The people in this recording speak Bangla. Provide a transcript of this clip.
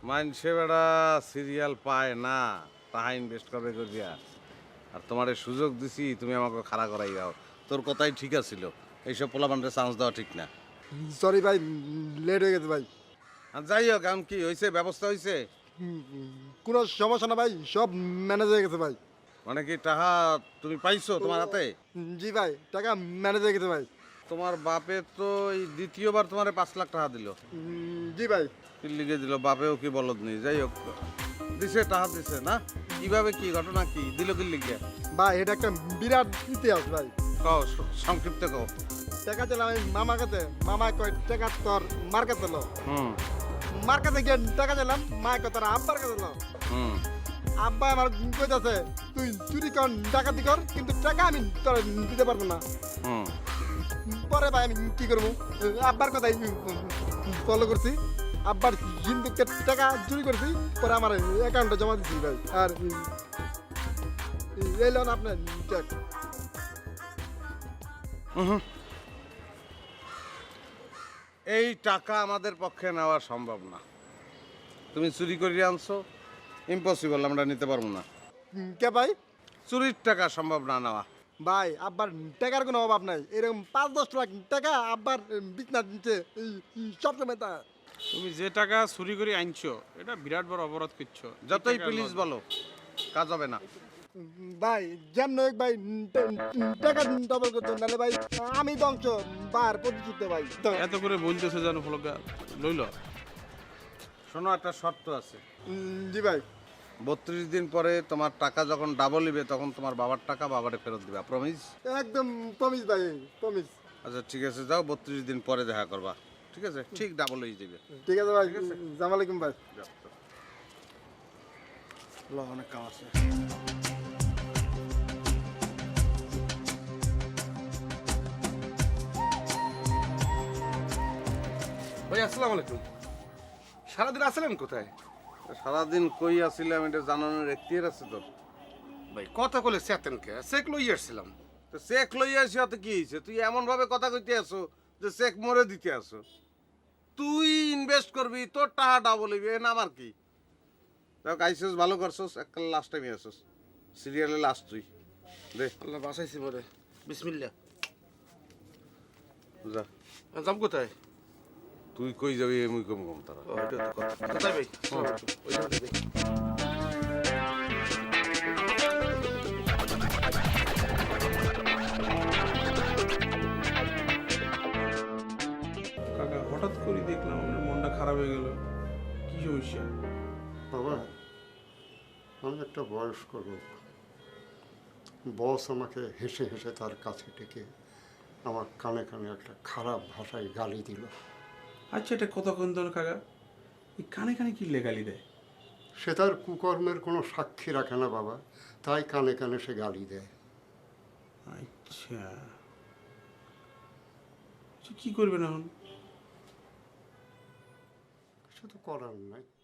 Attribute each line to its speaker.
Speaker 1: মানুষে বেড়া সিরিয়াল পায় না, তাহা ইনভেস্ট করবে করিয়া। আর তোমার সুযোগ দিছি, তুমি আমাকে খাড়া করাই দাও। তোর কথাই ঠিক আছিল, এইসব পোলাপানরে চান্স দেওয়া ঠিক না।
Speaker 2: সরি ভাই, লেট হয়ে গেছে ভাই।
Speaker 1: আর যাই হোক, এখন কি হয়েছে, ব্যবস্থা হয়েছে?
Speaker 2: কোনো সমস্যা না ভাই, সব ম্যানেজ হয়ে গেছে ভাই।
Speaker 1: মানে কি টাকা তুমি পাইছো তোমার হাতে?
Speaker 2: জি ভাই, টাকা ম্যানেজ হয়ে গেছে ভাই।
Speaker 1: তোমার বাপে তো এই দ্বিতীয়বার তোমারে 5 লাখ টাকা দিল।
Speaker 2: জি ভাই।
Speaker 1: কি লিখে দিল? বাপেও কি বলদ নেই। যাই হোক, দিছে, টাকা দিছে না? কিভাবে, কি ঘটনা, কি দিল, কি লিখে?
Speaker 2: ভাই এটা একটা বিরাট ইতিহাস ভাই।
Speaker 1: কও, সংক্ষিপ্ত কও।
Speaker 2: টাকা চাইলাম আমি মামার কাছে, মামা কয় টাকা তোর মার কাছে লো।
Speaker 1: হুম
Speaker 2: মার কাছে গিয়ে টাকা চাইলাম, মা কয় তোর আব্বার কাছে লো।
Speaker 1: হুম
Speaker 2: আব্বা আমার কইতাছে তুই চুরি কর, ডাকাতি কর, কিন্তু টাকা আমি তোর দিতে পারবো না।
Speaker 1: হুম
Speaker 2: পরে ভাই আমি কি করবো, আব্বার কথাই ফলো করছি। আব্বার হিন্দুকে টাকা চুরি করছি, পরে আমার অ্যাকাউন্টে জমা দিচ্ছি ভাই। আর এই লোন আপনার চেক।
Speaker 1: এই টাকা আমাদের পক্ষে নেওয়া সম্ভব না। তুমি চুরি করিয়ে আনছো, ইম্পসিবল, আমরা নিতে পারবো না।
Speaker 2: কে ভাই?
Speaker 1: চুরির টাকা সম্ভব না নেওয়া।
Speaker 2: ভাই আব্বার টাকার কোনো অভাব নাই, এরকম 5-10 লাখ টাকা আব্বার বিছনা দিচ্ছে সবসময় তা।
Speaker 3: তুমি যে টাকা চুরি করে আনছো এটা বিরাট বড় অপরাধ করছো।
Speaker 1: যতই প্লিজ বলো, কাজ হবে না।
Speaker 2: ভাই যেমন হোক ভাই, টাকা ডবল করতো, নাহলে ভাই আমি ধ্বংস, বার প্রতিযুদ্ধ ভাই।
Speaker 3: এত করে বলতেছে জানো ফলকা লইল।
Speaker 1: শোনো, একটা শর্ত আছে।
Speaker 2: জি ভাই।
Speaker 1: 32 দিন পরে তোমার টাকা যখন ডাবল নিবে, তখন তোমার বাবার টাকা বাবারে ফেরত দিবা। প্রমিস?
Speaker 2: একদম প্রমিস ভাই, প্রমিস।
Speaker 1: আচ্ছা ঠিক আছে, যাও, 32 দিন পরে দেখা করবা। ঠিক আছে, ঠিক ডাবল হয়ে যাবে।
Speaker 2: ঠিক আছে ভাই, আসসালামু আলাইকুম ভাই।
Speaker 1: অনেক কাম আছে।
Speaker 4: ভাই আসসালামু আলাইকুম। সারাদিন আসলেন কোথায়?
Speaker 1: সারাদিন কই আছিলাম এটা জানানোর এখতিয়ার আছে তোর?
Speaker 4: ভাই কথা কলে চেতেনকে চেক লই আসছিলাম।
Speaker 1: তো চেক লইয়া আসি, হতে কি হয়েছে? তুই এমন ভাবে কথা কইতে আসো যে চেক মরে দিতে আসো। তুই ইনভেস্ট করবি, তোর টাকা ডাবল হইবে, না আমার কি? দেখ, আইসোস, ভালো করছোস, একটা লাস্ট টাইমে আসোস, সিরিয়ালে লাস্ট তুই। দে,
Speaker 4: আল্লাহ বাসাইছি মরে। বিসমিল্লাহ।
Speaker 1: যা।
Speaker 4: যাম কোথায়?
Speaker 1: তুই কই যাবি, এমনি কম কম তারা।
Speaker 4: ও, এটা তো কথা। আচ্ছা ভাই, আসসালামু আলাইকুম। ওই জায়গাটা দেখি।
Speaker 3: কাকা হঠাৎ করে দেখলাম আমার মনটা খারাপ হয়ে গেল। কি সমস্যা?
Speaker 5: বাবা, আমি একটা বয়স্ক লোক। বস আমাকে হেসে হেসে তার কাছে ডেকে আমার কানে কানে একটা খারাপ ভাষায় গালি দিল।
Speaker 3: আচ্ছা এটা কতক্ষণ ধরে কাকা এই কানে কানে কি লেগালি দেয়?
Speaker 5: সে তার কুকর্মের কোনো সাক্ষী রাখে না বাবা, তাই কানে কানে সে গালি দেয়।
Speaker 3: আচ্ছা আচ্ছা, কি করবেন এখন?
Speaker 5: কিছু তো করার নাই।